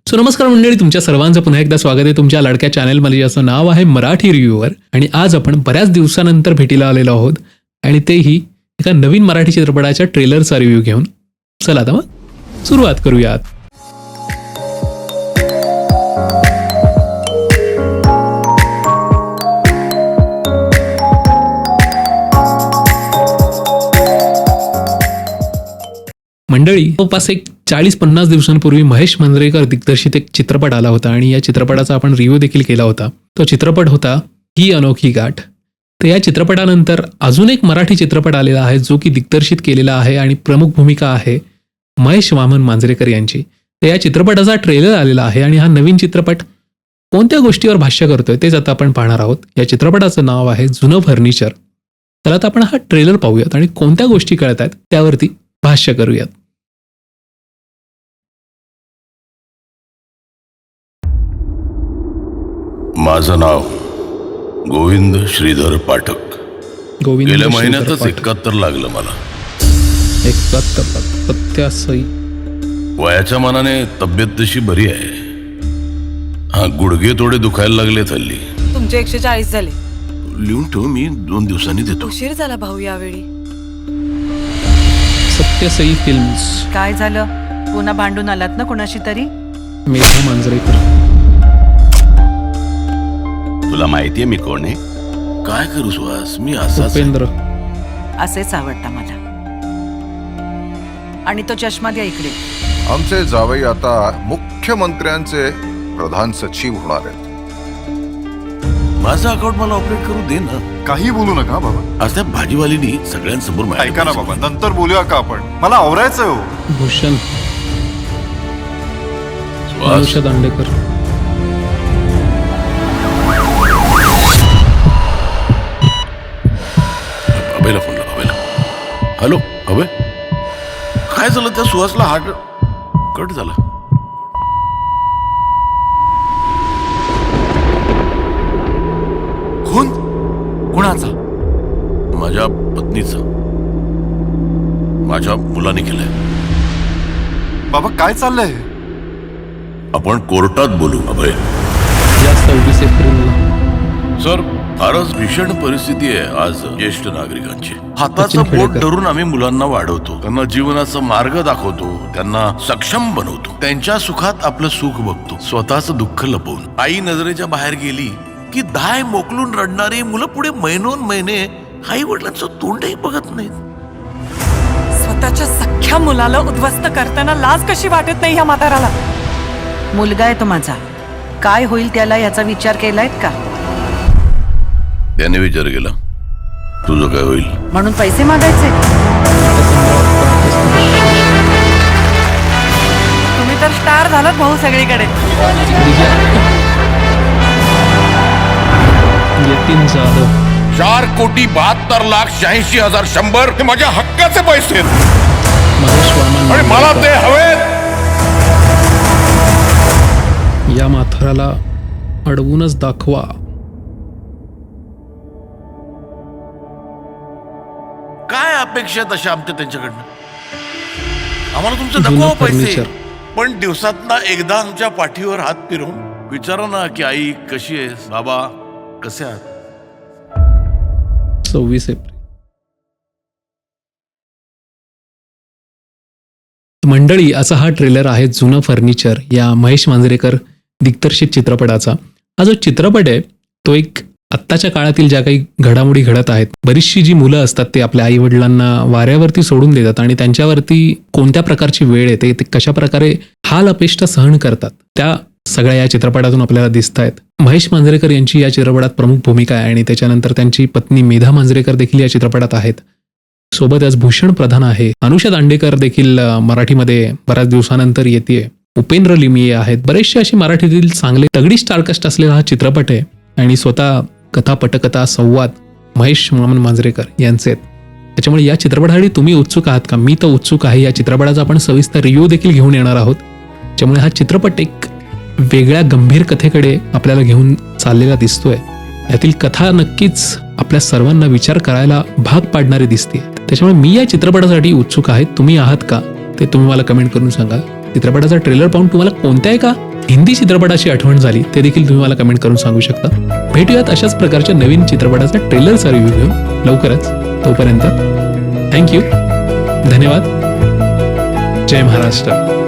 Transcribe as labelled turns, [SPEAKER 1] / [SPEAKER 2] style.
[SPEAKER 1] So नमस्कार मंडळी, तुमच्या सर्वांचं पुन्हा एकदा स्वागत आहे तुमच्या लाडक्या चॅनलमध्ये, ज्याचं नाव आहे मराठी रिव्ह्यूवर. आणि आज आपण बऱ्याच दिवसानंतर भेटीला आलेलो आहोत आणि तेही एका नवीन मराठी चित्रपटाच्या ट्रेलरचा रिव्ह्यू घेऊन. चला आता मग सुरुवात करूयात. मंडळी, जवळपास एक 40-50 दिवसांपूर्वी महेश मांजरेकर दिग्दर्शित एक चित्रपट आला होता आणि या चित्रपटाचा आपण रिव्ह्यू देखील केला होता. तो चित्रपट होता ही अनोखी गाठ. तर या चित्रपटानंतर अजून एक मराठी चित्रपट आलेला आहे जो की दिग्दर्शित केलेला आहे आणि प्रमुख भूमिका आहे महेश वामन मांजरेकर यांची. तर या चित्रपटाचा ट्रेलर आलेला आहे आणि हा नवीन चित्रपट कोणत्या गोष्टीवर भाष्य करतोय तेच आता आपण पाहणार आहोत. या चित्रपटाचं नाव आहे जुनं फर्निचर. तर आता आपण हा ट्रेलर पाहूयात आणि कोणत्या गोष्टी कळत आहेत त्यावरती भाष्य करूयात.
[SPEAKER 2] माझं नाव गोविंद श्रीधर पाठक.
[SPEAKER 1] गोविंद
[SPEAKER 2] गेल्या
[SPEAKER 1] श्रीधर
[SPEAKER 2] महिन्यातच
[SPEAKER 1] पाठक.
[SPEAKER 2] 71 लागलं मला.
[SPEAKER 1] 71
[SPEAKER 2] वयाच्या मानाने तब्येत तशी बरी आहे. हा, गुडघे थोडे दुखायला लागले हल्ली.
[SPEAKER 3] तुमचे 140 झाले.
[SPEAKER 2] लिहून ठेव, मी 2 दिवसांनी देतो.
[SPEAKER 3] उशीर झाला भाऊ यावेळी.
[SPEAKER 1] सत्यसई फिल्म्स.
[SPEAKER 3] काय झालं? पुन्हा भांडून आलात ना कोणाशी तरी?
[SPEAKER 1] मेधा मांजरेकर.
[SPEAKER 2] तुला माहितीये मी कोण आहे? काय करू सुहास, मी असाच.
[SPEAKER 1] उपेंद्र.
[SPEAKER 3] असेच आवडता मला. आणि तो चष्मा द्या इकडे.
[SPEAKER 4] आमचे जावई आता मुख्यमंत्र्यांचे प्रधान सचिव होणार आहेत.
[SPEAKER 2] माझं अकाउंट मला ऑपरेट करू दे ना.
[SPEAKER 4] काही बोलू नका बाबा.
[SPEAKER 2] आज त्या भाजीवालीनी सगळ्यांसमोर माझ्या
[SPEAKER 4] ऐका ना बाबा, नंतर बोलूया का आपण? मला आवरायचं हो.
[SPEAKER 1] भूषण.
[SPEAKER 2] सुहास,
[SPEAKER 1] अनुषा दांडेकर.
[SPEAKER 2] अभयला फोन लाव. अभयला. हॅलो अभय, काय झालं? त्या सुहासला हार्ट कट झाला.
[SPEAKER 4] कोण? कुणाचा?
[SPEAKER 2] माझ्या पत्नीचा. माझ्या मुलाने केलंय.
[SPEAKER 4] बाबा काय चाललंय?
[SPEAKER 2] आपण कोर्टात बोलू अभय.
[SPEAKER 1] या 26 एप्रिलला.
[SPEAKER 2] सर, फारच भीषण परिस्थिती आहे आज ज्येष्ठ नागरिकांची. हाताचं
[SPEAKER 1] सचिन
[SPEAKER 2] बोट
[SPEAKER 1] खेडेकर.
[SPEAKER 2] धरून आम्ही मुलांना वाढवतो, त्यांना जीवनाचा मार्ग दाखवतो, त्यांना सक्षम बनवतो, त्यांच्या सुखात आपलं सुख बघतो, स्वतःच दुःख लपवून. आई नजरेच्या बाहेर गेली की दाय मोकलून रडणारी मुलं पुढे महिनोन महिने आई वडिलांचं तोंडही बघत नाहीत.
[SPEAKER 3] स्वतःच्या सख्ख्या मुलाला उद्ध्वस्त करताना लाज कशी वाटत नाही ह्या म्हाताराला? मुलगा आहे तो माझा. काय होईल त्याला याचा विचार केलायत का?
[SPEAKER 2] त्याने विचार केला, तुझं काय होईल?
[SPEAKER 3] म्हणून पैसे मागायचे? तुम्ही तर स्टार झालात भाऊ सगळीकडे.
[SPEAKER 1] यतीन जाधव.
[SPEAKER 2] 4,72,86,100 हे माझ्या हक्काचे पैसे आहेत
[SPEAKER 1] महेश वामन
[SPEAKER 2] आणि मला ते हवेत.
[SPEAKER 1] या म्हाताराला अडवूनच दाखवा.
[SPEAKER 2] काय अपेक्षा आहेत अशा आमच्या त्यांच्याकडनं? आम्हाला तुमचं
[SPEAKER 1] जुनं
[SPEAKER 2] नको पैसे,
[SPEAKER 1] फर्निचर.
[SPEAKER 2] पण दिवसातना एकदा आमच्या पाठीवर हात फिरवून विचारा ना की आई कशी आहेस, बाबा कसे आहात.
[SPEAKER 1] 26 एप्रिल. मंडळी, असा हा ट्रेलर आहे जुनं फर्निचर या महेश मांजरेकर दिग्दर्शित चित्रपटाचा. हा जो चित्रपट आहे तो एक आत्ताच्या काळातील ज्या काही घडामोडी घडत आहेत, बरीचशी जी मुलं असतात ते आपल्या आई वडिलांना वाऱ्यावरती सोडून देतात आणि त्यांच्यावरती कोणत्या प्रकारची वेळ येते, ते कशा प्रकारे हाल अपेष्टा सहन करतात, त्या सगळ्या या चित्रपटातून आपल्याला दिसत आहेत. महेश मांजरेकर यांची या चित्रपटात प्रमुख भूमिका आहे आणि त्याच्यानंतर त्यांची पत्नी मेधा मांजरेकर देखील या चित्रपटात आहेत. सोबतच भूषण प्रधान आहे. अनुषा दांडेकर देखील मराठीमध्ये बऱ्याच दिवसानंतर येते. उपेंद्र लिमये आहेत. बरेचसे असे मराठीतील चांगले तगडी स्टारकास्ट असलेला हा चित्रपट आहे आणि स्वतः कथा पटकथा संवाद महेश वामन मांजरेकर यांचे आहेत. त्याच्यामुळे या चित्रपटासाठी तुम्ही उत्सुक आहात का? मी तर उत्सुक आहे. या चित्रपटाचा आपण सविस्तर रिव्ह्यू देखील घेऊन येणार आहोत. त्यामुळे हा चित्रपट एक वेगळ्या गंभीर कथेकडे आपल्याला घेऊन चाललेला दिसतोय. यातील कथा नक्कीच आपल्या सर्वांना विचार करायला भाग पाडणारी दिसते. त्याच्यामुळे मी या चित्रपटासाठी उत्सुक आहे. तुम्ही आहात का ते तुम्ही मला कमेंट करून सांगा. चित्रपटाचा ट्रेलर पाहून तुम्हाला कोणत्या एका हिंदी चित्रपटाची आठवण झाली ते देखील तुम्ही मला कमेंट करून सांगू शकता. भेटूयात अशाच प्रकारच्या नवीन चित्रपटाचा ट्रेलरचा रिव्ह्यू घेऊन लवकरच. तोपर्यंत थँक्यू, धन्यवाद, जय महाराष्ट्र.